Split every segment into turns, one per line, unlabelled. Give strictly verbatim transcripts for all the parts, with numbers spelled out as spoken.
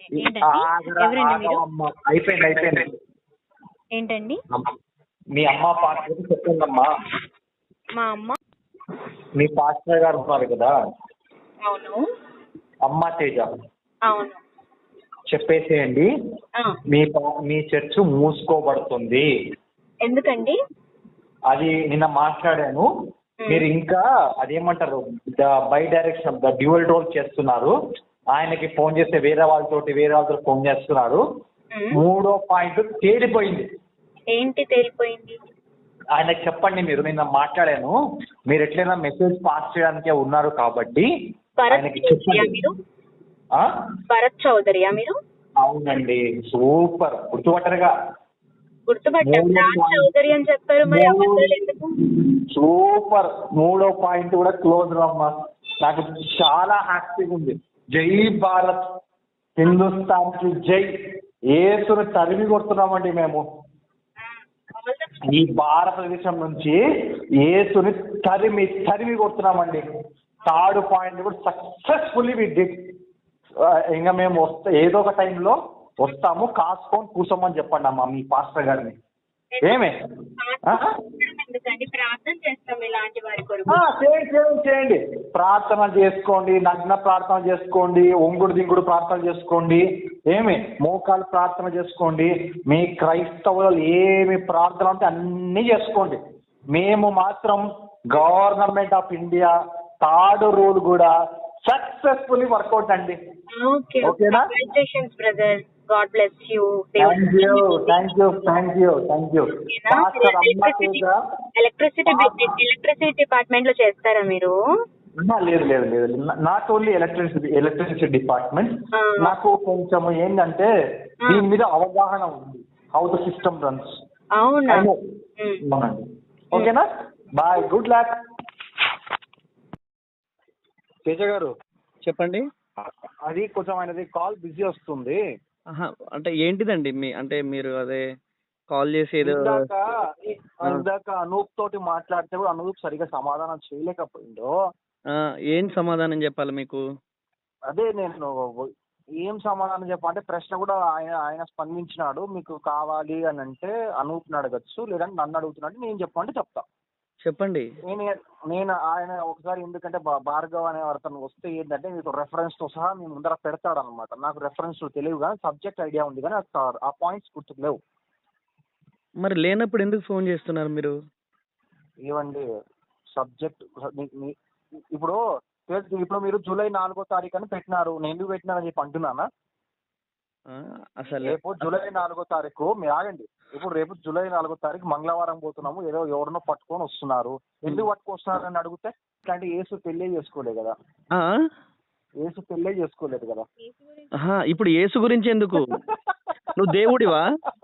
ఏంటండి?
ఆగరా,
ఎవరండి మీరు?
ఆగవమ్మా. అయిపోయింది అయిపోయింది.
ఏంటండి?
మీ అమ్మ పాస్టర్ చెప్పండమ్మా.
మా అమ్మ.
మీ పాస్టర్ గారు ఉన్నారు కదా,
అవును.
అమ్మ తేజ,
అవును.
చెప్పేసేయండి.
ఆ,
మీ పా- మీ చర్చ్ మూసుకోబడుతుంది.
ఎందుకండి?
అది నిన్న మాట్లాడాను.
మ్.
మీరు ఇంకా అదేమంటారు, the by direction the dual role చేస్తున్నారు. ఆయనకి ఫోన్ చేస్తే వేరే వాళ్ళతోటి వేరే వాళ్ళతో ఫోన్ చేస్తున్నారు.
మ్.
మూడో పాయింట్ తేలిపోయింది.
ఏంటి తేలిపోయింది?
ఆయనకి చెప్పండి, మీరు నిన్న మాట్లాడాను, మీరు ఎట్లయినా మెసేజ్ పాస్ చేయడానికే ఉన్నారు కాబట్టి
భరత్
ఆయనకి
చౌదరియా
చెప్పండి.
మీరు?
ఆ?
భరత్ చౌదరియా మీరు?
అవునండి, సూపర్, గుర్తుపట్టరుగా.
గుర్తుపట్టాం.
మూడో
రాజ్
పాయింట్
చౌదరి అని చెప్పారు, మరి అబద్ధాలు ఎందుకు?
సూపర్, మూడో పాయింట్ కూడా క్లోజ్ అమ్మా. నాకు చాలా హ్యాపీగా ఉంది. జై భారత్, హిందుస్థాన్ కి జై. ఏసును తరిమి కొడుతున్నామండి మేము. ఈ భారతదేశం నుంచి ఏసుని తరిమి తరిమి కొడుతున్నామండి. థర్డ్ పాయింట్ కూడా సక్సెస్ఫుల్లీ వి డిడ్. ఇంకా మేము వస్తా ఏదో ఒక టైంలో వస్తాము, కాసుకొని కూర్చోమని చెప్పండి అమ్మా మీ పాస్టర్ గారిని. ఏమే
ఎందుకండి? ప్రార్థన చేస్తాం ఇలాంటి వారి కొరకు.
చేయండి చేయండి చేయండి ప్రార్థన చేసుకోండి, నగ్న ప్రార్థన చేసుకోండి, ఒంగుడు దింగుడు ప్రార్థన చేసుకోండి, ఏమి మోకాలు ప్రార్థన చేసుకోండి. మీ క్రైస్తవులు ఏమి ప్రార్థన అంటే అన్నీ చేసుకోండి. మేము మాత్రం government of India third rule కూడా సక్సెస్ఫుల్లీ వర్కౌట్ అండి.
ఓకే,
ఓకేనా?
Congratulations brother, God bless you.
Thank you thank you thank you thank you pastor అమ్మ తేజ.
ఎలక్ట్రిసిటీ ఎలక్ట్రిసిటీ డిపార్ట్మెంట్ లో చేస్తారా మీరు?
ఆహా, లేదు లేదు లేదు not only electricity electricity department.
ఆ.
నాకు కొంచెం ఏంటంటే దీని మీద అవగాహన ఉంది, హౌ ద సిస్టమ్ రన్స్.
అవునా?
అవునండి. ఓకేనా, బాయ్, గుడ్ లక్. తేజ గారు
చెప్పండి.
అది కొంచెం ఆయనది కాల్ బిజీ వస్తుంది.
ఆహా, అంటే ఏంటిదండి మీ అంటే మీరు అదే కాల్ చేసి ఏదో
ఇందాక ఇందాక అనూప్ తోటి మాట్లాడితే కూడా అనూప్ సరిగా సమాధానం చేయలేకపోయిందో.
ఆ, ఏం సమాధానం చెప్పాలి మీకు?
అదే నేను ఏం సమాధానం చెప్పాలంటే ప్రశ్న కూడా ఆయన ఆయన స్పందించినాడు. మీకు కావాలి అని అంటే అనూప్ని అడగచ్చు, లేదంటే నన్ను అడుగుతున్నాడు, నేను చెప్పమంటే చెప్తా.
చెప్పండి.
నేను నేను ఆయన ఒకసారి ఎందుకంటే భా- భార్గవ్ అనే అతను వస్తే ఏంటంటే మీకు రెఫరెన్స్ తో సహా మీ ముందర పెడతాడు అనమాట. నాకు రెఫరెన్స్ తెలియదు కానీ సబ్జెక్ట్ ఐడియా ఉంది కానీ ఆ- ఆ పాయింట్స్ గుర్తుకు లేవు.
మరి లేనప్పుడు ఎందుకు ఫోన్ చేస్తున్నారు మీరు?
ఏవండి సబ్జెక్ట్ ఇప్పుడు ఇప్పుడు మీరు జూలై నాలుగో తారీఖు అని పెట్టినారు, నేను ఎందుకు పెట్టినారని చెప్పి అంటున్నానా?
ఆ, అసలు
రేపు జూలై నాలుగో తారీఖు మీరు ఆగండి. ఇప్పుడు రేపు జూలై నాలుగో తారీఖు మంగళవారం పోతున్నాము, ఏదో ఎవరినో పట్టుకొని వస్తున్నారు. ఎందుకు పట్టుకొస్తున్నారు అని అడిగితే ఇట్లాంటి ఏసు పెళ్ళే చేసుకోలేదు కదా,
ఆ?
ఏసు పెళ్ళే చేసుకోలేదు కదా.
ఆహా, ఇప్పుడు యేసు గురించి ఎందుకు? నువ్వు దేవుడివా?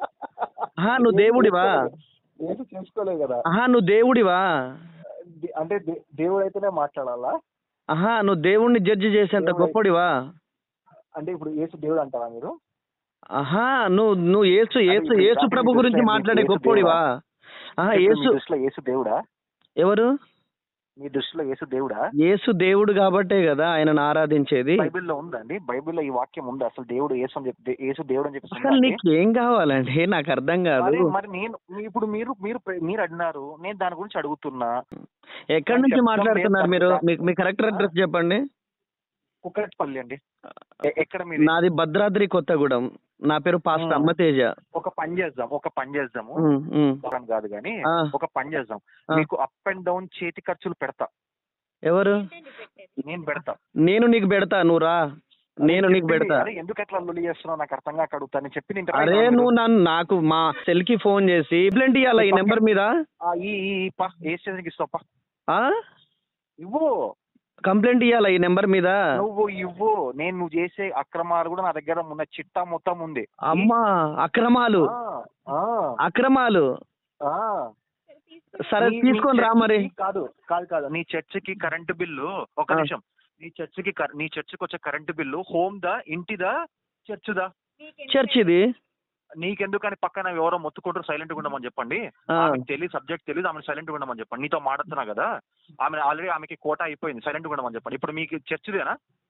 ఆహా, నువ్వు దేవుడివా?
ఏసు చేసుకోలేదు కదా.
ఆహా, నువ్వు దేవుడివా?
దే- అంటే దే- దేవుడు అయితేనే మాట్లాడాలా?
ఆహా, నువ్వు దేవుడిని జడ్జి చేసేంత గొప్పడివా?
అంటే ఇప్పుడు ఏసు దేవుడు అంటారా మీరు?
ఆహా, నువ్వు నువ్వు యేసు యేసు యేసు ప్రభు గురించి మాట్లాడే గొప్పోడివా? ఆహా,
మీ
యేసు
దృష్టిలో ఏసు దేవుడా?
ఎవరు?
మీ దృష్టిలో ఏసు దేవుడా?
యేసు దేవుడు కాబట్టే కదా ఆయనను ఆరాధించేది.
బైబిల్లో ఉందండి, బైబిల్లో ఈ వాక్యం ఉంది అసలు దేవుడు యేసు అని చెప్పి, యేసు దేవుడు అని చెప్పి
అసలు నీకు ఏం కావాలండి? నాకు అర్థం కాదు.
మరి మరి నేను మీ- ఇప్పుడు మీరు మీరు మీరు అడిగినారు, నేను దాని గురించి అడుగుతున్నా.
ఎక్కడి నుంచి
చెప్తాం,
మాట్లాడుతున్నారు
లేదు
మీరు?
దాన్ని-
మీకు మీ కరెక్ట్ అడ్రస్ చెప్పండి.
కుక్కట్పల్లి అండి. ఎ- ఎక్కడ మీది?
నాది భద్రాద్రి కొత్తగూడెం. నా పేరు పాస్టర్ అమ్మతేజ.
ఒక పని చేద్దాం ఒక పని చేద్దాము
ఉమ్, ఉమ్.
దూరం కాదు కానీ
ఆ.
ఒక పని చేద్దాం.
ఆ.
మీకు అప్ అండ్ డౌన్ చేతి ఖర్చులు పెడతా,
ఎవరు?
నేను పెడతా.
నేను నీకు పెడతా, నువ్వు రా. నేను నీకు
చెప్పింది,
పెడతా.
అరే ఎందుకు అట్లా లొల్లి చేస్తున్నావు నాకు అర్థం కాక అడుగుతాను చెప్పి నేను
అరే నువ్వు నన్ను నాకు మా సెల్ కి ఫోన్ చేసి కంప్లైంట్ ఇవ్వాలా ఈ నెంబర్ మీద?
ఈ ఈ ఈ పా ఏ స్టేషన్కి ఇస్తావు పా,
ఆ
ఇవ్వు.
కంప్లైంట్ ఇవ్వాలా ఈ నెంబర్ మీద?
నువ్వు ఇవ్వు, నేను నువ్వు చేసే అక్రమాలు కూడా నా దగ్గర ఉన్న చిట్టా మొత్తం ఉంది.
అమ్మా, అక్రమాలు
ఆ, ఆ,
అక్రమాలు
ఆ.
సరే
నీ-
తీసుకొని
నీ
రా మరి.
చర్చికి కాదు కాదు కాదు నీ చర్చికి కరెంటు బిల్లు ఒక
ఆ.
నిమిషం. నీ చర్చికి కర- నీ చర్చికి వచ్చే కరెంటు బిల్లు హోమ్ దా ఇంటిదా చర్చుదా?
చర్చ్ ఇది.
నీకెందుకని పక్కన ఎవరో మొత్తుకుంటారు సైలెంట్ గా ఉండమని చెప్పండి.
ఆ.
ఆమెకు తెలియదు సబ్జెక్ట్ తెలియదు, ఆమె సైలెంట్ గా ఉండమని చెప్పండి. నీతో మాట్లాడుతున్నా కదా, ఆమె ఆల్రెడీ ఆమెకి కోట అయిపోయింది, సైలెంట్ గా ఉండమని చెప్పండి. ఇప్పుడు మీకు చర్చిదేనా?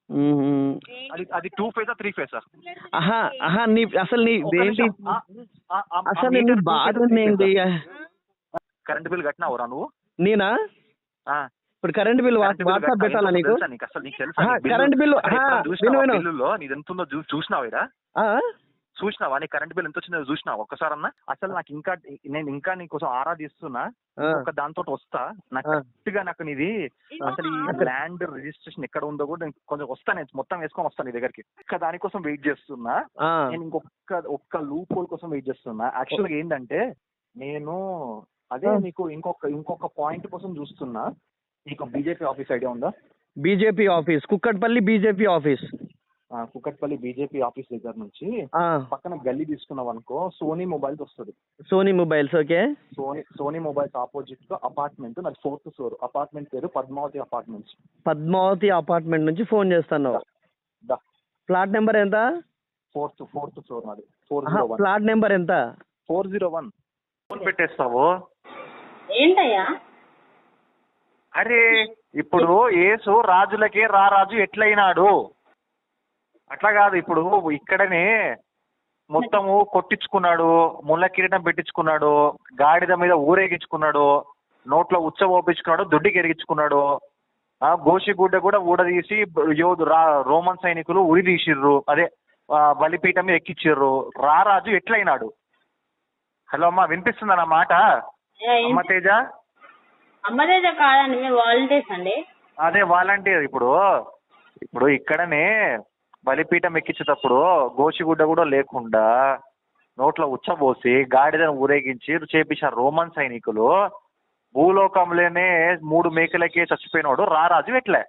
మ్మ్.
అది అది టూ ఫేసా త్రీ ఫేసా?
ఆహా ఆహా నీ అసలు నీ
ఒక్క
ఏంటి
నిమిషం. ఆ, ఆ, ఆ, ఆ
అసలు నీ
మీటర్ two
బాధ
phase ఆ, three
ఏంటి?
phase ఆ? కరెంట్ బిల్ కట్టినావురా నువ్వు?
నేనా
ఆ.
ఇప్పుడు current bill
current bill
WhatsApp
కట్టినా?
పెట్టాలా
ఎంతో
నీకు?
తెలుసా నీకు? అసలు నీకు తెలుసా?
ఆహా,
నీ బిల్లు
కరెంట్ బిల్లు
అసలు
ఆహా,
ఎప్పుడైనా
విను
చూసినావా?
విను
బిల్లులో నీది ఎంత ఉందో చూ- చూసినావా ఈడ?
ఆ?
చూసినావా నీ కరెంట్ బిల్ ఎంత వచ్చిందో చూసినావా ఒక్కసారన్నా? అసలు నాకు ఇంకా నేను ఇంకా నీకోసం ఆరాధిస్తున్నా.
ఆ.
ఒక దాంతో వస్తా నాకు
ఆ.
కరెక్ట్ గా నాకు నీది అసలు ఈ ల్యాండ్ రిజిస్ట్రేషన్ ఎక్కడ ఉందో కూడా నేను కొంచెం వస్తా, నేను మొత్తం వేసుకొని వస్తాను నీ దగ్గరికి. ఒక్క దానికోసం వెయిట్ చేస్తున్నా.
ఆ.
నేను ఇంకొక ఒక్క లూప్ హోల్ కోసం వెయిట్ చేస్తున్నా. యాక్చువల్ గా ఏంటంటే నేను అదే నీకు ఇంకొక ఇంకొక పాయింట్ కోసం చూస్తున్నా. నీకు బీజేపీ ఆఫీస్ ఐడియా ఉందా?
BJP office Kukatpally BJP office.
ఆ, కుకట్పల్లి బీజేపీ ఆఫీస్ దగ్గర నుంచి
ఆ,
పక్కన గల్లీ తీసుకున్నావు అనుకో, సోనీ మొబైల్స్ వస్తుంది.
Sony mobiles. Okay.
Sony Sony mobiles opposite గా అపార్ట్మెంట్, నాది ఫోర్త్ ఫ్లోర్. అపార్ట్మెంట్ పేరు పద్మావతి అపార్ట్మెంట్స్.
పద్మావతి అపార్ట్మెంట్ నుంచి ఫోన్ చేస్తాను.
దా
ప్లాట్ నెంబర్ ఎంత?
ఫోర్త్ ఫోర్త్ ఫ్లోర్ నాది. ఫోర్
ఆహా,
జీరో వన్
ప్లాట్ నెంబర్ ఎంత?
ఫోర్ జీరో వన్ ఫోన్ పెట్టేస్తావు.
ఏంటయ్యా?
అరే ఇప్పుడు యేసు రాజులకే రారాజు ఎట్లయినాడు అట్లా కాదు. ఇప్పుడు ఇక్కడనే మొత్తము కొట్టించుకున్నాడు, ముళ్ళ కిరీటం పెట్టించుకున్నాడు, గాడిద మీద ఊరేగించుకున్నాడు, నోట్లో ఉచ్చ ఓపించుకున్నాడు, దుడ్డికి ఎరిగించుకున్నాడు. ఆ గోషిగుడ్డ కూడా ఊడదీసి యోధు రా రోమన్ సైనికులు ఉరి తీసిర్రు, అదే ఆ, బలిపీఠం మీద ఎక్కిచ్చిర్రు. రారాజు ఎట్లయినాడు? హలో అమ్మా, వినిపిస్తుందా నా మాట? అమ్మ తేజ,
అమ్మదేజ కాదండి, మేము వాలంటీర్స్ అండి.
అదే వాలంటీర్. ఇప్పుడు ఇప్పుడు ఇక్కడనే బలిపీఠం ఎక్కించేటప్పుడు గోషిగుడ్డ కూడా లేకుండా నోట్లో ఉచ్చబోసి గాడిదను ఊరేగించి చేపించారు రోమన్ సైనికులు. భూలోకంలోనే మూడు మేకలకే చచ్చిపోయినాడు రారాజు ఎట్లే?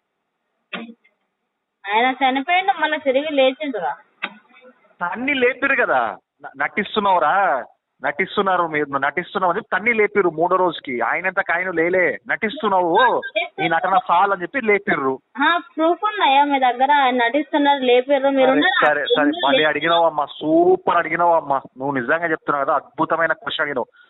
ఆయన చనిపోయిండు, మళ్ళీ తిరిగి లేచిండురా.
అన్ని లేపిరు కదా. న- నటిస్తున్నావురా, నటిస్తున్నారు మీరు, నటిస్తున్నావు అని చెప్పి తన్ని లేపిర్రు మూడో రోజుకి. ఆయనంతకు ఆయన లేలే, నటిస్తున్నావు ఈ నటన సాల్ అని చెప్పి లేపిర్రు.
ప్రూఫ్ ఉన్నాయా మీ దగ్గర? ఆయన నటిస్తున్నారు, లేపారు, మీరు
సరే
ఉన్నారా?
సరే సరే మళ్ళీ అడిగినావు అమ్మా, సూపర్ అడిగినావు అమ్మా. నువ్వు నిజంగా చెప్తున్నావు కదా, అద్భుతమైన క్వశ్చన్ అడిగినావు.